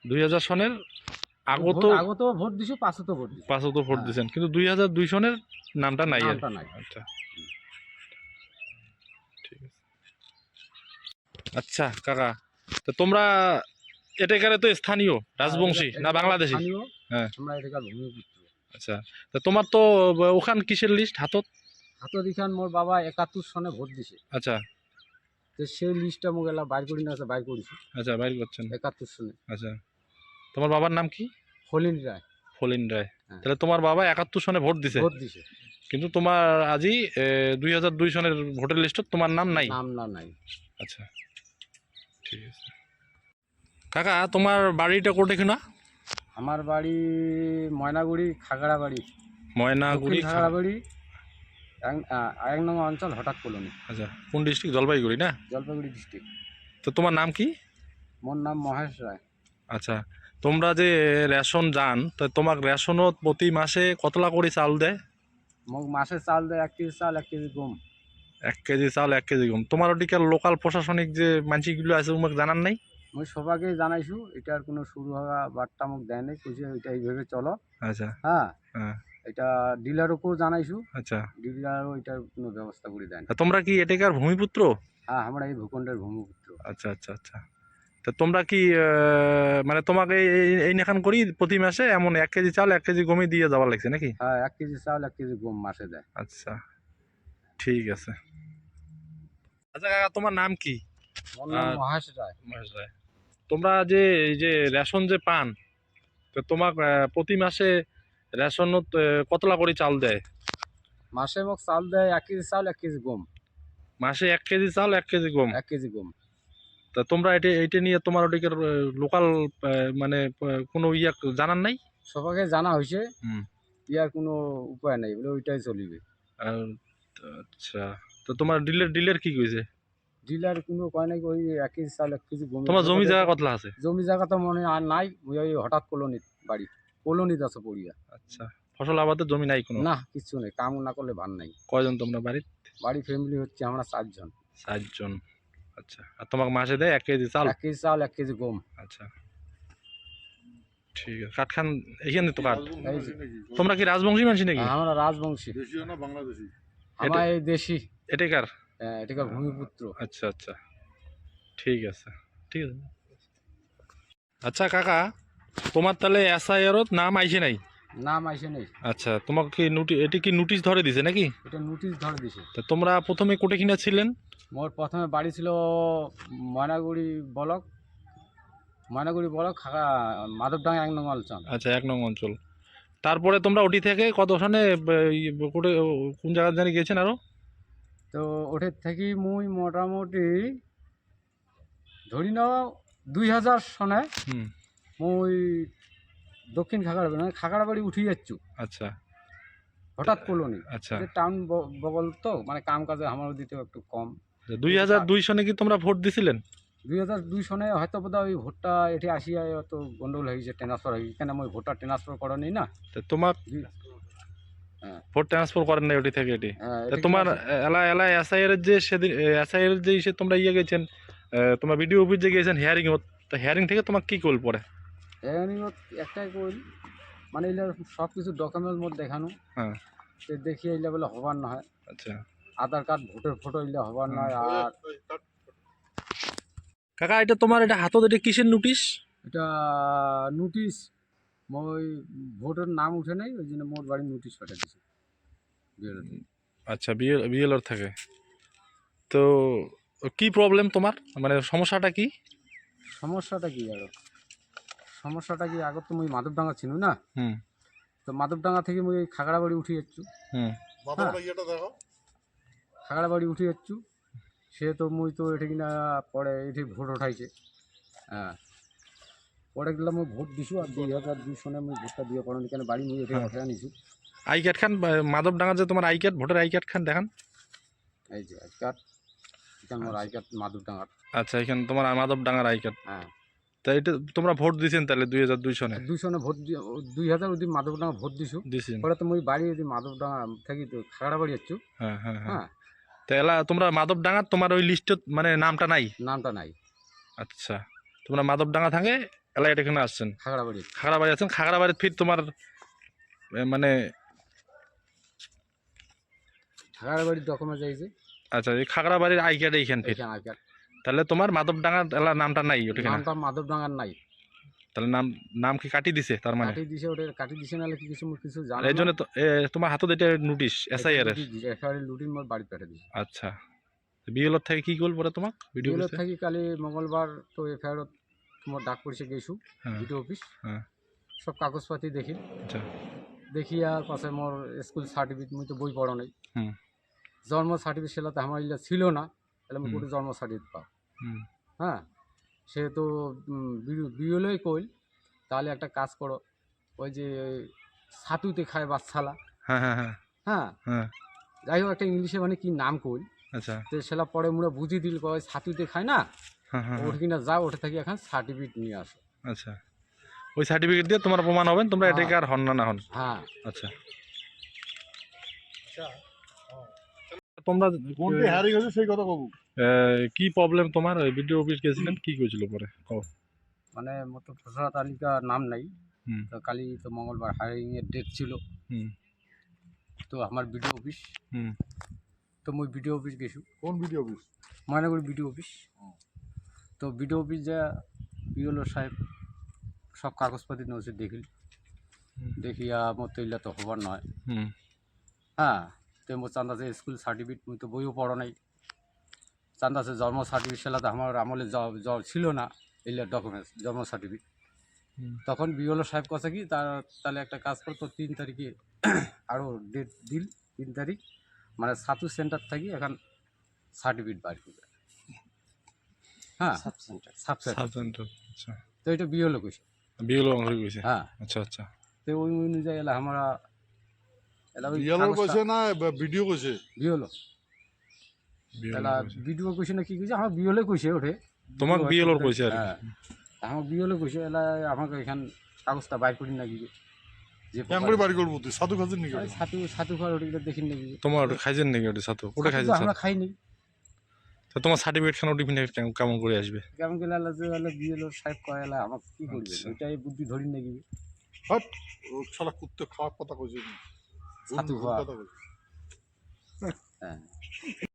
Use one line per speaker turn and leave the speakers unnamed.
2000 সনের আগত
আগত ভোট দিছো, পাঁচশো ভোট দিছো।
পাঁচত ভোট
হ্যাঁ।
দিয়েছেন, কিন্তু 2002 সনের নামটা নাই আর
নামটা নাই।
আচ্ছা ঠিক আছে। আচ্ছা কাকা, তো তোমরা এটাকারে তো স্থানীয় রাজবংশী না বাংলাদেশী?
স্থানীয়,
হ্যাঁ
আমরা এটাকার ভূমিপুত্র।
আচ্ছা, তো তোমার তো ওখান কিসের লিস্ট হাতত?
হাতত ইখান মোর বাবা 71 সনে ভোট দিছে।
আচ্ছা
তো সেই লিস্টটা মোক এলা বাইর করি না, আছে বাইর করেছি
আচ্ছা বাইর করছেন।
71 সনে।
আচ্ছা, তোমার বাবার নাম কি?
ফলিন রায়।
ফলিন রায়।
হ্যাঁ।
তাহলে তোমার বাবা 71 সনে ভোট দিছে,
ভোট দিছে,
কিন্তু তোমার আজই 2002 সনের ভোটার লিস্টত তোমার নাম নাই।
নাম না নাই।
আচ্ছা ঠিক আছে। কাকা তোমার বাড়িটা কোটে কিনা?
আমার বাড়ি ময়নাগুড়ি, খাগড়াবাড়ি,
ময়নাগুড়ি
দক্ষিণ খাগড়াবাড়ি, এক নং অঞ্চল, হঠাৎ কলোনি,
আচ্ছা, কোন ডিস্ট্রিক্ট? জলপাইগুড়ি না?
জলপাইগুড়ি ডিস্ট্রিক্ট।
তো তোমার নাম কি?
মোর নাম মহেশ রায়।
আচ্ছা, তোমরা যে রেশন যান, তো তোমার রেশনত প্রতি মাসে কতলা করে চাল দেয়?
মোক মাসে চাল দেয় 1 কেজি চাল, 1 কেজি গম।
1 কেজি চাল 1 কেজি গম। তোমার ওদিকে লোকাল প্রশাসনিক যে মানসিগুলো আছে তোমাকে জানান নাই?
মই সবাকে জানাইছো, এটার কোনো শুরু হওয়া বার্তা মোক দেয় নাই, কইছে এটা এইভাবে চলো।
আচ্ছা
হ্যাঁ,
হ্যাঁ
এটা ডিলারকেও জানাইছো,
আচ্ছা,
ডিলারও এটার কোনো ব্যবস্থা করে দেয় না।
তা তোমরা কি এটাকার ভূমিপুত্র?
হ্যাঁ, আমরা এই ভূখণ্ডের ভূমিপুত্র।
আচ্ছা আচ্ছা আচ্ছা, তা তোমরা কি মানে তোমাকে এই নেখান করি প্রতি মাসে এমন 1 কেজি চাল 1 কেজি গমই দিয়ে যাওয়ার লাগছে নাকি?
হ্যাঁ, 1 কেজি চাল, 1 কেজি গম মাসে দেয়।
আচ্ছা ঠিক আছে। আচ্ছা কাকা, তোমার নাম কি?
মোর নাম
আর
মহেশ রায়।
মহেশ রায়। তোমরা যে এই যে রেশন যে পান, তো তোমার প্রতি মাসে রেশনত কতলা করে চাল দেয়?
মাসে মোক চাল দেয় 1 কেজি চাল, 1 কেজি গম।
মাসে 1 কেজি চাল 1 কেজি গম।
1 কেজি গম।
তা তোমরা এটা এইটা নিয়ে তোমার ওদিকের লোকাল মানে কোনো ইয়া জানান নাই?
সবাকে জানা হয়েছে,
হুম।
ইয়ার কোনো উপায় নাই, বলে ওইটাই চলিবে।
আর আচ্ছা, তো তোমার ডিলের ডিলের কি কইছে?
ডিলার কোনো কয় নাই, ওই 1 কেজি চাল 1 কেজি গম।
তোমার জমি জায়গা কতলা আছে?
জমি জায়গা তো মনে আর নাই, ওই হঠাৎ কলোনিত বাড়ি, কলোনিত আছে পড়িয়া।
আচ্ছা, ফসল আবাদের জমি নাই কোনো?
না, কিচ্ছু নেই, কাম না করলে ভার নাই।
কয়জন তোমরা বাড়ির?
বাড়ি ফ্যামিলি হচ্ছে আমরা 4 জন।
4 জন। আচ্ছা, আর তোমাকে মাসে দেয় 1 কেজি চাল?
1 কেজি চাল, 1 কেজি গম।
আচ্ছা ঠিক আছে। কাঠ খান এখানে তো কাঠ।
এই যে,
তোমরা কি রাজবংশী মানুষ নাকি?
আমরা রাজবংশী।
দেশীয় না বাংলাদেশি?
আমরা এই দেশি,
এটাকার?
এটাকার ভূমিপুত্র।
আচ্ছা আচ্ছা ঠিক আছে ঠিক আছে। আচ্ছা কাকা, তোমার তাহলে এসআইআর নাম আইছে নাই?
নাম আইসে নেই,
আচ্ছা, তোমাকে কি এটি কি নোটিশ ধরে দিছে নাকি?
এটা নোটিশ ধরে দিছে।
তা তোমরা প্রথমে কোটে কিনা ছিলেন?
মোর প্রথমে বাড়ি ছিল ময়নাগুড়ি ব্লক, ময়নাগুড়ি ব্লক, মাধবডাঙ্গা 1 নং অঞ্চল।
আচ্ছা, 1 নং অঞ্চল। তারপরে তোমরা ওটি থেকে কত সনে কোটে কোন জায়গা জানি গিয়েছেন আরো?
তো ওঠের থেকে মুই মোটামুটি ধরি নাও 2000 সনে
হুম।
মুই দক্ষিণ খাগড়াবাড়ি, মানে খাগড়াবাড়ি উঠি যাচ্ছু,
আচ্ছা
হঠাৎ কলোনি।
আচ্ছা,
টাউন বগল তো, মানে কাম কাজে আমার দিতেও একটু কম।
2002 সনে কি তোমরা ভোট দিছিলেন?
2002 সনে হয়তো বোধ হয় ওই ভোটটা এটি আসিয়া অত গন্ডগোল হয়ে গেছে, ট্রান্সফার হয়ে গেছে, কেন আমি ভোটটা ট্রান্সফার করা নেই না।
তা তোমার
হ্যাঁ,
ভোট ট্রান্সফার করেন নাই ওটি থেকে এটি? তা
এটা কি
তোমার
আছে?
এলা এলা এসআইআর যে সেদিন এসআইআর যে ইসে তোমরা ইয়ে গেছেন, তোমার ভিডিও অফিস যে গিয়েছেন হিয়ারিং, তা হিয়ারিং থেকে তোমার কি কল পড়ে?
একটাই কইল, মানে এগুলো সব কিছু ডকুমেন্টের মধ্যে দেখানো,
হ্যাঁ
সে দেখিয়ে এগুলো বলে হবার না হয়,
আচ্ছা
আধার কার্ড ভোটের ফটো এগুলো হবার নয়। আর
কাকা, এটা তোমার এটা হাতত এটা কিসের নোটিশ?
এটা নোটিশ, মই ভোটের নাম উঠে নাই, ওই জন্য মোট বাড়ি নোটিশ পাঠিয়ে দিছে বিএলও থেকে।
আচ্ছা, বিএলওর থাকে। তো কি প্রবলেম তোমার, মানে সমস্যাটা কি?
সমস্যাটা কি আরো, সমস্যাটা কি, আগত তো মুই মাধবডাঙ্গা ছিল না,
হুম
তো মাধবডাঙ্গা থেকে মুই এই খাগড়াবাড়ি উঠে যাচ্ছু।
হুম
মাথার ইয়েটা দেখো।
খাগড়াবাড়ি উঠে যাচ্ছু, সে তো মুই তো এটি কিনা পরে এটি ভোট উঠাইছে। হ্যাঁ, পরে গেলাম মুই ভোট দিছু, আর 2002 সনে মুই ভোটটা দিয়ে পড়ান, কেন বাড়ি মুই এটি
হ্যাঁ।
উঠে আনিছু।
আই কার্ড খান, মাধবডাঙ্গা যে তোমার I card, voter I card খান দেখান।
এই যে আই কার্ড, এখানে মোর আই কার্ড মাধবডাঙ্গার।
আচ্ছা, এখানে তোমার মাধবডাঙ্গার আই কার্ড।
হ্যাঁ,
তা এটা তোমরা ভোট দিয়েছেন তাহলে 2002 সনে?
2 সনে ভোট 2000 ওদি মাধবডাঙ্গা ভোট দিছু।
দিয়েছেন?
পরে তো মুই বাড়ি ওদি মাধবডাঙ্গা থেকে তো খাগড়াবাড়ি যাচ্ছু।
হ্যাঁ হ্যাঁ হ্যাঁ।
হ্যাঁ,
তা এলা তোমরা মাধবডাঙ্গার তোমার ওই লিস্টত মানে নামটা নাই?
নামটা নাই।
আচ্ছা, তোমরা মাধবডাঙ্গা থাকে এলাই এখানে আসছেন
খাগড়াবাড়ি
খাগড়াবাড়ি আছেন খাগড়াবাড়ির ফির তোমার মানে
খাগড়াবাড়ির ডকুমেন্ট চাইছে
আচ্ছা এই খাগড়াবাড়ির আই কার্ড এইখান ফির
এখানে আগে
তাহলে তোমার মাধবডাঙ্গা এলার নামটা নাই ওখানে
নামটা মাধবডাঙ্গার নাই,
তাহলে নাম নাম কি কাটি দিছে তার মানে
কাটি দিছে, ওটা কাটি দিছে নাহলে কি কিছু কিছু জানো
এই জন্য তো তোমার হাতত এটা নোটিশ এসআইআর এর
একেবারে লুটিন মোর বাড়ি পেটে দিছে।
আচ্ছা বিএলওর থেকে কি করল পরে তোমাক ভিডিও
বিএলও থাকি কালি মঙ্গলবার তো এফআইআর তোমার ডাক পড়ছে গেছু
হ্যাঁ
ভিডিও অফিস,
হ্যাঁ
সব কাগজপাতি দেখি,
আচ্ছা
দেখিয়া পাশে মোর স্কুল সার্টিফিকেট মুই তো বই পড়ো নাই,
হুম
জন্ম সার্টিফিকেট সেলাতে আমার ইলা ছিল না, তাহলে আমি
হুম।
কোটি জন্ম সার্টিফিকেট পাও।
হুম
হ্যাঁ, সে তো বিএলওই কইল তাহলে একটা কাজ করো, ওই যে ছাতুতে খায় বাচ্চালা,
হ্যাঁ হ্যাঁ হ্যাঁ
হ্যাঁ
হ্যাঁ
যাই হোক একটা ইংলিশে মানে কি নাম কইল,
আচ্ছা
তো সেলা পরে মুড়ে বুঝি দিল কয় ছাতুতে খায় না,
হ্যাঁ হ্যাঁ
ওটা কিনা যাও ওটা থেকে এখন সার্টিফিকেট নিয়ে আসো।
আচ্ছা ওই সার্টিফিকেট দিয়ে তোমার প্রমাণ হবেন তোমরা
হ্যাঁ।
এটাকে আর হন না হন
হ্যাঁ
আচ্ছা তোমরা
কোনটি হারিয়ে গেছে সেই কথা কব।
কি প্রবলেম তোমার ওই ভিডিও অফিস গেছিলেন কি কইছিল পরে কও
মানে মতো খসড়া তালিকা নাম নাই,
হুম
তো কালি তো মঙ্গলবার হায়ারিং এর ডেট ছিল,
হুম
তো আমার বিডিও অফিস,
হুম
তো মুই বিডিও অফিস গেছু,
কোন video office?
Maynaguri BDO office, তো বিডিও অফিস যা বিওলো সাহেব সব কাগজপাতি নজর দেখিল,
হুম।
দেখিয়া মোর তো ইলা তো হবার নয়,
হুম
হ্যাঁ তো মোর চান্দাছে স্কুল সার্টিফিকেট মুই তো বইও পড়ো নাই, চান্দাছে জন্ম সার্টিফিকেট সেলাতে আমার আমলে ছিল না এগুলো ডকুমেন্টস জন্ম সার্টিফিকেট,
হুম।
তখন বিওলো সাহেব কথা কি তাহলে একটা কাজ করতো 3 তারিখে আরও ডেট দিল, 3 তারিখ মানে ছাতু সেন্টার থাকি এখন সার্টিফিকেট বার করবে, হ্যাঁ সাব সেন্টার
সাবসেন্টার আচ্ছা
তো এটা বিওলো কইছে,
বিএলও অংশ কইছে
হ্যাঁ
আচ্ছা আচ্ছা
তো ওই অনুযায়ী এলা আমরা এলা ওই
রিয়েলর কইছে না ভিডিও কইছে?
বিওলো এলা ভিডিও কইছে না কি কইছে আমার বিওলো কইছে ওঠে,
তোমাক বিএলওর কইছে আর কি।
হ্যাঁ আমার বিওলো কইছে এলা আমাকে এখান কাগজটা বাইর করি নাকি যে
কেন করে বাড়ি করবো তুই সাধু খাচ্ছেন নাকি?
ছাতু ছাতু খাওয়ার ওটা দেখিন নাকি,
তোমার ওটা খাইছেন নাকি ওটা সাথে ওটা
ছাতু
খাইছেন
তো আমরা খাইনি,
তো তোমার সার্টিফিকেট খান টিফিন কেমন করে আসবে
কেমন গেলে আল্লাহ যে আল্লাহ বিএলও সাহেব কয় এলা আমাকে কি করবে,
আচ্ছা।
ওইটাই বুদ্ধি ধরি নাকি
হট ও শালা কুত্তে খাওয়ার কথা কইছে।
ছাতু
ভুল
খাওয়া।
কথা কইছে।
হ্যাঁ